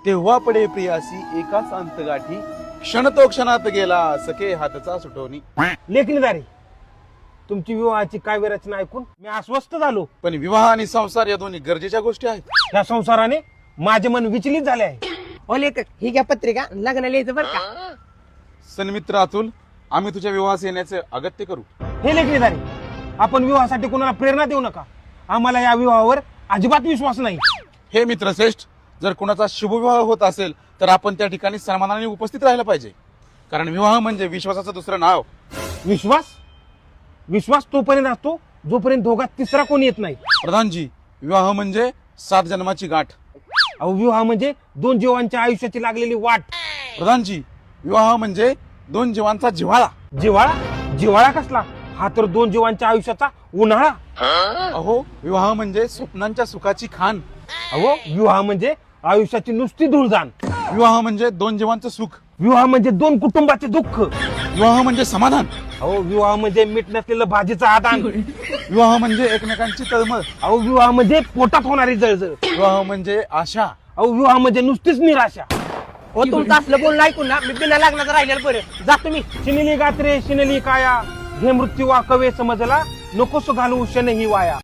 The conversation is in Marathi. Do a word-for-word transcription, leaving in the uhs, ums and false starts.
तेव्हा पडे प्रियासी एकाच अंतगाठी, क्षण तो क्षणात गेला सखे हातचा सुटवणी. लेखणीदारी, तुमची विवाहाची काव्य रचना ऐकून मी अस्वस्थ झालो. पण विवाह आणि संसार या दोन्ही गरजेच्या गोष्टी आहेत. या संसाराने माझे मन विचलित झाले आहे. ओ लेखक, ही घ्या पत्रिका, लग्न लिहायचं बरं का. सन्मित्र अतुल, आम्ही तुझ्या विवाहास येण्याचे अगत्य करू. हे लेखणीदारी, आपण विवाहासाठी कोणाला प्रेरणा देऊ नका. आम्हाला या विवाहावर अजिबात विश्वास नाही. हे मित्रश्रेष्ठ, जर कुणाचा शुभविवाह होत असेल तर आपण त्या ठिकाणी सन्मानाने उपस्थित राहायला पाहिजे. कारण विवाह म्हणजे विश्वासाचं दुसरं नाव. विश्वास विश्वास तोपर्यंत असतो जोपर्यंत दोघात तिसरा कोणी येत नाही. प्रधानजी, विवाह म्हणजे सात जन्माची गाठ. अहो, विवाह म्हणजे दोन जीवांच्या आयुष्याची लागलेली वाट. प्रधानजी, विवाह म्हणजे दोन जीवांचा जिव्हाळा. जिव्हाळा जिव्हाळा कसला? हा तर दोन जीवांच्या आयुष्याचा उन्हाळा. अहो, विवाह म्हणजे स्वप्नांच्या सुखाची खाण. अहो, विवाह म्हणजे आयुष्याची नुसती धुळजाण. विवाह म्हणजे दोन जीवांचं सुख. विवाह म्हणजे दोन कुटुंबाचे दुःख. विवाह म्हणजे समाधान. अहो, विवाह म्हणजे मीठ नसलेलं भाजीचं आदान. विवाह म्हणजे एकमेकांची तळमळ. अहो, विवाह म्हणजे पोटात होणारी जळजळ. विवाह म्हणजे आशा. अहो, विवाह म्हणजे नुसतीच निराशा. हो, तुमचं असलं बोलणं ऐकून ना मी बिना लग्नाचं राहिलेलं बरं. जा तुम्ही. शिनली गात्रे शिनली काया, घे मृत्यू वा कवे समजला, नकोस घालू शन ही वाया.